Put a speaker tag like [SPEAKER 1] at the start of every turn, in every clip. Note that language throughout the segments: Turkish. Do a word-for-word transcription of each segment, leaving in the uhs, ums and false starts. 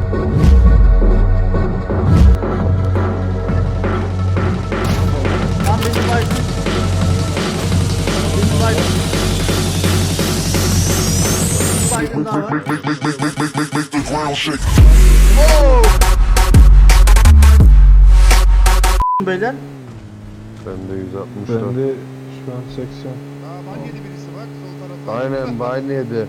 [SPEAKER 1] Tam beni baydın. Beni baydın. Baydın daha var.
[SPEAKER 2] Make, make, make, make, make, make, make, make the ground shake.
[SPEAKER 1] Beyler.
[SPEAKER 3] Bende yüz altmış
[SPEAKER 4] Ben
[SPEAKER 3] dört.
[SPEAKER 4] de şu an seksen.
[SPEAKER 5] Aa ban yedi birisi bak sol tarafta.
[SPEAKER 3] Aynen ban yedi.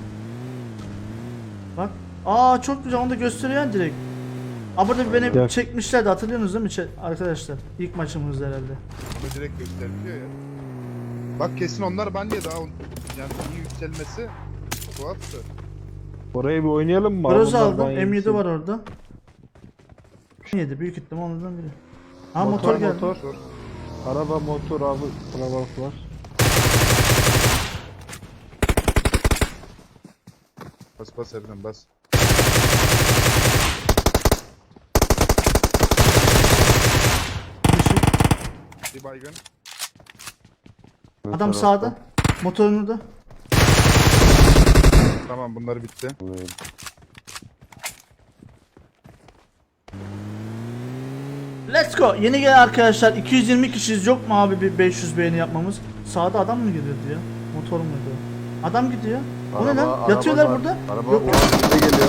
[SPEAKER 1] Bak. Aa çok güzel, onu da gösteriyor direkt. Aa burada beni
[SPEAKER 4] Gel.
[SPEAKER 1] çekmişlerdi, hatırlıyorsunuz değil mi Çe- arkadaşlar? İlk maçımızda herhalde.
[SPEAKER 5] Onu direkt gösteriliyor ya. Bak kesin onlar ban yedi ha. Yani iyi yükselmesi tuhaftı.
[SPEAKER 4] Orayı bir oynayalım mı?
[SPEAKER 1] Groz
[SPEAKER 4] Bunlar
[SPEAKER 1] aldım.
[SPEAKER 4] ban
[SPEAKER 1] M yedi
[SPEAKER 4] yesin.
[SPEAKER 1] var orada. M yedi büyük ihtimal onlardan biri. Ha
[SPEAKER 4] Motor,
[SPEAKER 1] motor, geldi.
[SPEAKER 4] motor. Araba, motor, abi, kalabalık var.
[SPEAKER 5] Bas bas Erdem bas. Bir baygın.
[SPEAKER 3] Ne
[SPEAKER 1] Adam
[SPEAKER 3] tarafta?
[SPEAKER 1] sağda. Motorunu da.
[SPEAKER 5] Tamam bunlar bitti.
[SPEAKER 1] Let's go. Yeni gelen arkadaşlar, iki yüz yirmi kişiyiz. Yok mu abi bir beş yüz beğeni yapmamız? Sağda adam mı gidiyordu ya? Motor muydu? Adam gidiyor. O ne
[SPEAKER 3] Araba-
[SPEAKER 1] lan?
[SPEAKER 3] araba
[SPEAKER 1] Yatıyorlar
[SPEAKER 3] var.
[SPEAKER 1] burada.
[SPEAKER 3] Araba
[SPEAKER 1] Yok.
[SPEAKER 3] o önümüze geliyor.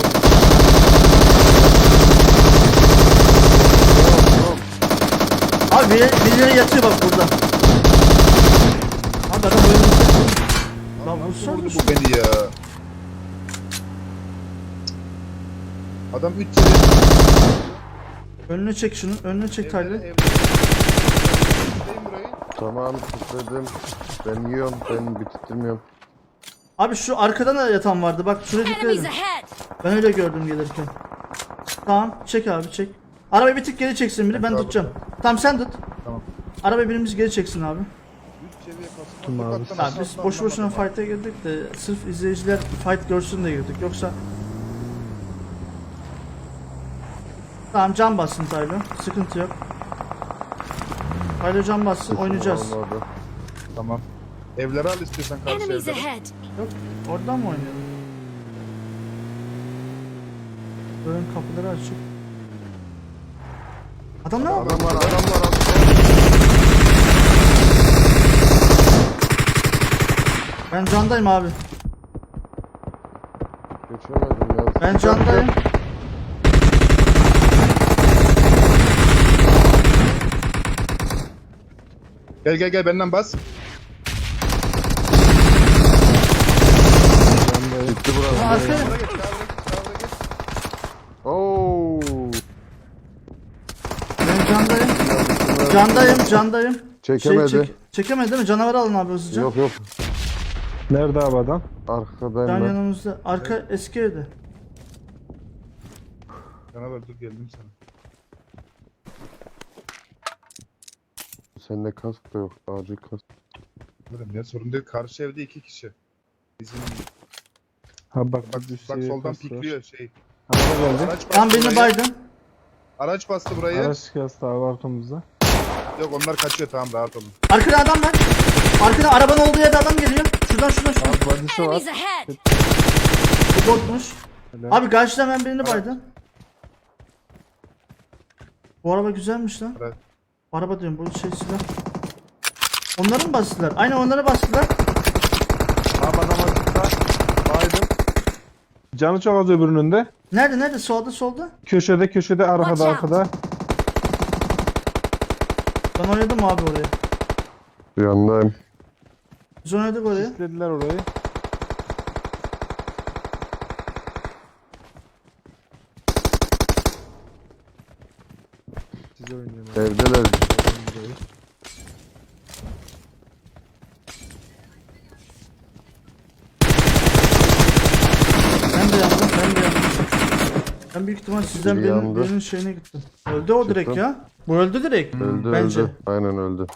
[SPEAKER 1] Abi biri- birileri yatıyor bak burada. Abi adam oyunumuzda. Lan
[SPEAKER 5] Nasıl
[SPEAKER 1] vursana
[SPEAKER 5] vurdu
[SPEAKER 1] şu-
[SPEAKER 5] bu beni ya? Adam üç yedi.
[SPEAKER 1] Önünü çek şunun. Önünü çek Tyler.
[SPEAKER 5] Evlere burayı.
[SPEAKER 3] Tamam istedim. Ben yiyorum. Ben bitirtmiyorum.
[SPEAKER 1] Abi şu arkadan da yatan vardı. Bak şuraya dikkat
[SPEAKER 6] Enemies
[SPEAKER 1] edin.
[SPEAKER 6] ahead!
[SPEAKER 1] Ben öyle gördüm gelirken. Tamam çek abi çek. Arabayı bir tık geri çeksin biri, ben
[SPEAKER 5] abi.
[SPEAKER 1] tutacağım. Tamam sen tut.
[SPEAKER 5] Tamam.
[SPEAKER 1] Arabayı birimiz geri çeksin abi.
[SPEAKER 5] üç seviye kasma.
[SPEAKER 4] Tuttum abi.
[SPEAKER 5] Tokattan
[SPEAKER 1] Abi
[SPEAKER 5] aşağı
[SPEAKER 1] biz
[SPEAKER 5] atlam
[SPEAKER 1] boş boşuna
[SPEAKER 5] anlamadım.
[SPEAKER 1] fight'a girdik de sırf izleyiciler fight görsün de girdik, yoksa... Tamam can bassın Tyler, sıkıntı yok. Tyler can bassın, oynayacağız.
[SPEAKER 3] Olmadı.
[SPEAKER 5] Tamam. Evleri al istiyorsan karşı
[SPEAKER 6] Enemies
[SPEAKER 5] evleri.
[SPEAKER 6] ahead!
[SPEAKER 1] Yok, oradan mı oynayalım? Ön kapıları açık. Adam ne yapıyor?
[SPEAKER 3] Adam var adam var. Adam.
[SPEAKER 1] Ben candayım abi.
[SPEAKER 3] Geçemedim ya.
[SPEAKER 1] Ben candayım.
[SPEAKER 5] Gel gel gel benden bas.
[SPEAKER 3] Bitti burası.
[SPEAKER 1] Ha, arkaya.
[SPEAKER 5] Sağa geç sağa geç sağa geç.
[SPEAKER 3] Oo.
[SPEAKER 1] Ben candayım. Candayım, candayım.
[SPEAKER 3] Çekemedi.
[SPEAKER 1] Şey, çek, çekemedi değil mi? Canavarı alın abi hızlıca.
[SPEAKER 3] Yok yok.
[SPEAKER 4] Nerede abi adam?
[SPEAKER 3] Arkadayım
[SPEAKER 1] Can
[SPEAKER 3] ben.
[SPEAKER 1] yanımızda. Arka eski evde.
[SPEAKER 5] Canavar dur geldim sana.
[SPEAKER 3] Sende kask da yok. Acil kask.
[SPEAKER 5] Dedim ya sorun değil. Karşı evde iki kişi. Bizim
[SPEAKER 4] Ha bak
[SPEAKER 5] bak
[SPEAKER 4] bir
[SPEAKER 5] bak
[SPEAKER 4] seviye
[SPEAKER 5] soldan
[SPEAKER 4] kas var.
[SPEAKER 5] pikliyor şey.
[SPEAKER 4] Araba geldi.
[SPEAKER 5] Araç bastı
[SPEAKER 1] Tam beni
[SPEAKER 5] burayı.
[SPEAKER 1] baydın.
[SPEAKER 5] Araç bastı burayı.
[SPEAKER 4] Araç kastı abi arkamızda.
[SPEAKER 5] Yok onlar kaçıyor tamam rahat olun.
[SPEAKER 1] Arkada adam var. Arkada arabanın olduğu yerde adam geliyor. Şuradan şuradan şuradan.
[SPEAKER 4] Abi badisi var.
[SPEAKER 6] Enemies ahead!
[SPEAKER 1] Bu botmuş.
[SPEAKER 4] Helal.
[SPEAKER 1] Abi karşıdan ben birini baydım. Bu araba güzelmiş lan.
[SPEAKER 5] Evet.
[SPEAKER 1] Araba diyorum, bu şey silah. Onları mı bastılar? Aynen onları bastılar.
[SPEAKER 4] Abi adam açıkta. Baydım. Canı çok az öbürünün de.
[SPEAKER 1] Nerede nerede? Solda solda.
[SPEAKER 4] Köşede köşede arkada
[SPEAKER 6] Watch out.
[SPEAKER 4] arkada.
[SPEAKER 1] Ben oynadım abi oraya.
[SPEAKER 3] Yandayım.
[SPEAKER 1] Biz oynadık oraya.
[SPEAKER 4] İstediler orayı. Size oynuyorum abi.
[SPEAKER 3] Evdeler.
[SPEAKER 1] Ben de yandım, ben de yandım. Ben büyük ihtimal sizden
[SPEAKER 3] Biri
[SPEAKER 1] birinin,
[SPEAKER 3] yandı.
[SPEAKER 1] birinin şeyine gittim. Öldü o direkt
[SPEAKER 3] Çıktım.
[SPEAKER 1] ya. Bu öldü direkt.
[SPEAKER 3] Öldü
[SPEAKER 1] Bence.
[SPEAKER 3] öldü. Aynen öldü.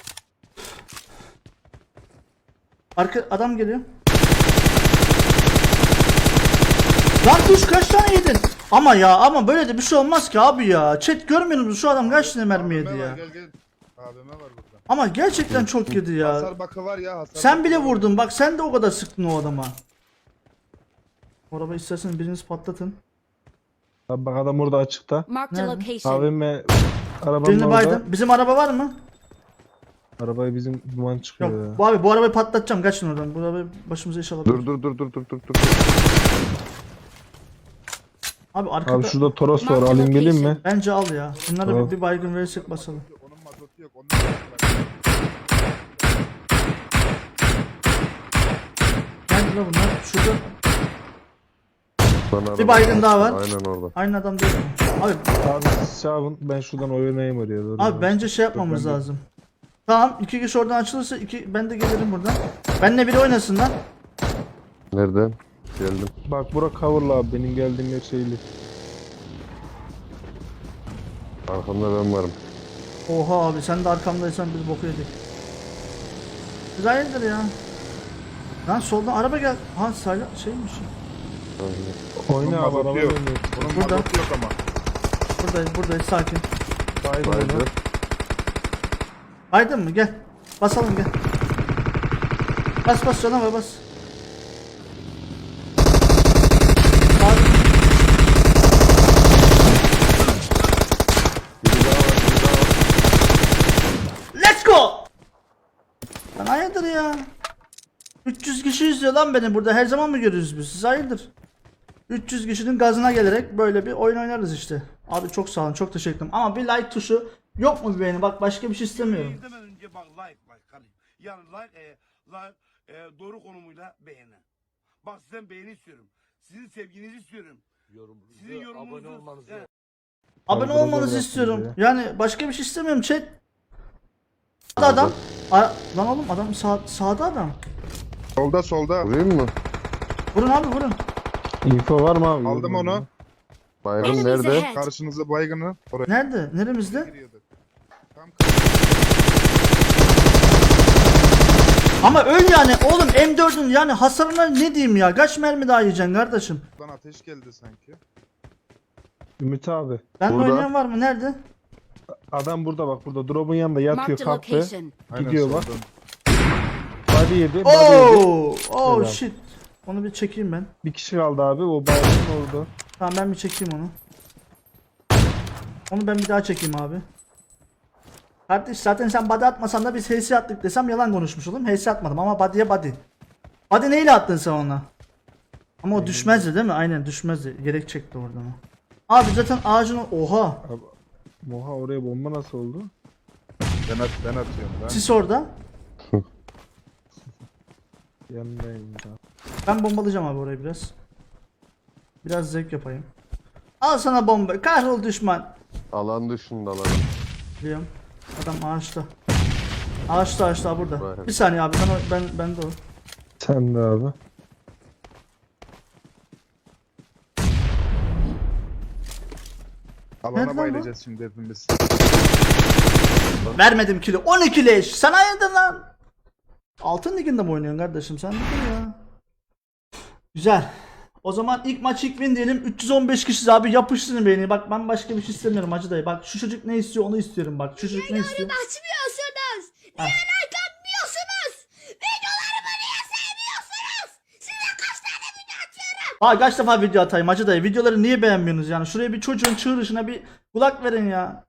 [SPEAKER 1] Arka adam geliyor. Lan duş kaç tane yedin? Ama ya ama böyle de bir şey olmaz ki abi ya. Chat görmüyor musunuz şu adam kaç tane mermi yedi
[SPEAKER 5] A V M var,
[SPEAKER 1] ya.
[SPEAKER 5] Gel gel. A V M var burada.
[SPEAKER 1] Ama gerçekten çok yedi ya.
[SPEAKER 5] Hasar bakı var ya hasar.
[SPEAKER 1] Sen
[SPEAKER 5] bakı
[SPEAKER 1] bile
[SPEAKER 5] var.
[SPEAKER 1] vurdun bak, sen de o kadar sıktın o adama. O arabayı istersen biriniz patlatın.
[SPEAKER 4] Abi bak adam orada açıkta.
[SPEAKER 6] Marked a
[SPEAKER 1] Nerede?
[SPEAKER 6] location.
[SPEAKER 4] Abim ve arabanın
[SPEAKER 1] Birini
[SPEAKER 4] orada.
[SPEAKER 1] baydım. Bizim araba var mı?
[SPEAKER 4] Arabayı bizim duman çıkıyor
[SPEAKER 1] Yok.
[SPEAKER 4] ya.
[SPEAKER 1] Bu abi bu arabayı patlatacağım. Kaçın oradan. Bu arabayı başımıza iş alabilir.
[SPEAKER 3] Dur dur dur dur dur dur dur.
[SPEAKER 1] Abi arkada
[SPEAKER 4] Abi şurada Toros var, alayım geleyim mi?
[SPEAKER 1] bence al ya. Bunlara
[SPEAKER 4] Tamam.
[SPEAKER 1] bir, bir baygın verirsek basalım.
[SPEAKER 5] Onun mazotu yok. Onun mazotu yok.
[SPEAKER 1] Nerede lan bunlar? Şurada.
[SPEAKER 3] Sana
[SPEAKER 1] Bir
[SPEAKER 3] araba
[SPEAKER 1] baygın daha
[SPEAKER 3] var.
[SPEAKER 1] var.
[SPEAKER 3] Aynen orada.
[SPEAKER 1] Aynı adam değil mi? Abi,
[SPEAKER 4] Abi Şahin ben şuradan oynayayım oraya doğru.
[SPEAKER 1] abi bence şey yapmamız
[SPEAKER 4] ben de-
[SPEAKER 1] lazım. Tamam, iki kişi oradan açılırsa iki ben de gelirim buradan. Benle biri oynasın lan.
[SPEAKER 3] Nereden? Geldim.
[SPEAKER 4] Bak bura coverlı abi, benim geldiğim yer şeyli.
[SPEAKER 3] Arkamda ben varım.
[SPEAKER 1] Oha abi sen de arkamdaysan biz boku yedik. Biz hayırdır ya. Lan soldan araba gel. Ha sayla şeymiş.
[SPEAKER 4] Oyna
[SPEAKER 5] Onun
[SPEAKER 4] abi,
[SPEAKER 5] mazotu
[SPEAKER 4] araba
[SPEAKER 5] yok.
[SPEAKER 4] oynuyor.
[SPEAKER 5] Onun
[SPEAKER 1] Burada.
[SPEAKER 5] mazotu yok ama.
[SPEAKER 1] Buradayız buradayız sakin.
[SPEAKER 4] Baydım
[SPEAKER 3] Baydı.
[SPEAKER 4] onu.
[SPEAKER 1] Aydın mı gel. Basalım gel. Bas bas canavar bas. Abi,
[SPEAKER 3] Biri daha var, biri daha var.
[SPEAKER 1] let's go. Lan hayırdır ya. üç yüz kişi izliyor lan beni burada. Her zaman mı görüyoruz biz? Siz hayırdır? üç yüz kişinin gazına gelerek böyle bir oyun oynarız işte. Abi çok sağ olun, çok teşekkür ederim. Ama bir like tuşu yok mu bir beğeni? Bak başka bir şey istemiyorum.
[SPEAKER 7] İzlemeden önce bak like like kardeşim. Yani like, e, like e, doğru konumuyla beğeni. Bak sizden beğeni istiyorum. Sizin sevginizi istiyorum. Sizin yorumunuzu. Abone olmanızı.
[SPEAKER 1] Abone
[SPEAKER 4] Abi,
[SPEAKER 1] olmanızı
[SPEAKER 4] burada
[SPEAKER 1] istiyorum.
[SPEAKER 4] bırakın
[SPEAKER 1] Yani başka bir şey istemiyorum chat. Sağda adam. Ara- lan oğlum adam sağ sağda adam.
[SPEAKER 5] Solda solda.
[SPEAKER 3] Vurayım mı?
[SPEAKER 1] Vurun abi vurun.
[SPEAKER 4] Info var mı abi?
[SPEAKER 5] Aldım onu.
[SPEAKER 3] Baygın
[SPEAKER 6] Enemies
[SPEAKER 3] nerede?
[SPEAKER 6] ahead.
[SPEAKER 5] Karşınızda baygını. Oraya
[SPEAKER 1] Nerede? Neremizde?
[SPEAKER 5] giriyordu. Tam
[SPEAKER 1] Ama öl yani oğlum M dördün yani hasarına ne diyeyim ya? Kaç mermi daha yiyeceksin kardeşim?
[SPEAKER 5] kapıdan ateş geldi sanki.
[SPEAKER 4] Ümit abi.
[SPEAKER 1] Ben
[SPEAKER 3] Burada.
[SPEAKER 1] oynayan var mı? Nerede?
[SPEAKER 4] Adam burada bak, burada drop'un yanında yatıyor,
[SPEAKER 6] Marked a
[SPEAKER 4] kalktı.
[SPEAKER 6] location.
[SPEAKER 4] Gidiyor bak.
[SPEAKER 5] soldan.
[SPEAKER 4] Body yedi, body yedi.
[SPEAKER 1] Oh, oh
[SPEAKER 4] Helal.
[SPEAKER 1] shit. Onu bir çekeyim ben.
[SPEAKER 4] Bir kişi kaldı abi, o baygın orada.
[SPEAKER 1] Tamam ben bir çekeyim onu. Onu ben bir daha çekeyim abi. Kardeş zaten sen body atmasan da biz H S attık desem yalan konuşmuş olurum. H S atmadım ama body'ye body. Body neyle attın sen ona? Ama o düşmezdi değil mi? Aynen düşmezdi. Gerek çekti oradan o. Abi zaten ağacın o- oha.
[SPEAKER 4] Abi, Moha oraya bomba nasıl oldu?
[SPEAKER 5] Ben, at, ben atıyorum ben.
[SPEAKER 1] Sis orada.
[SPEAKER 4] Yanındayım ya.
[SPEAKER 1] Ben bombalayacağım abi orayı biraz. Biraz zevk yapayım. Al sana bomba. Kahrol düşman.
[SPEAKER 3] Alan dışında lan.
[SPEAKER 1] Biliyorum. Adam ağaçta. Ağaçta ağaçta burada.
[SPEAKER 3] Vay.
[SPEAKER 1] Bir saniye abi ben o- ben ben de o.
[SPEAKER 4] Sen de abi.
[SPEAKER 1] Nerede
[SPEAKER 5] Alana
[SPEAKER 1] lan
[SPEAKER 5] bayılacağız şimdi hepimiz.
[SPEAKER 1] Vermedim kilo. on iki leş. Sen hayırdır lan? Altın liginde mi oynuyorsun kardeşim? Sen dur ya. Güzel. O zaman ilk maç ilk win diyelim. üç yüz on beş kişiyiz abi, yapıştırın beni. Bak ben başka bir şey istemiyorum hacı dayı. Bak şu çocuk ne istiyor onu istiyorum bak. Şu çocuk ne istiyor?
[SPEAKER 6] Açmıyorsunuz.
[SPEAKER 1] Ha.
[SPEAKER 6] Niye like atmıyorsunuz? Videolarımı niye sevmiyorsunuz? Size kaç tane video atıyorum?
[SPEAKER 1] Ha kaç defa video atayım hacı dayı. Videoları niye beğenmiyorsunuz yani? Şuraya bir çocuğun çığırışına bir kulak verin ya.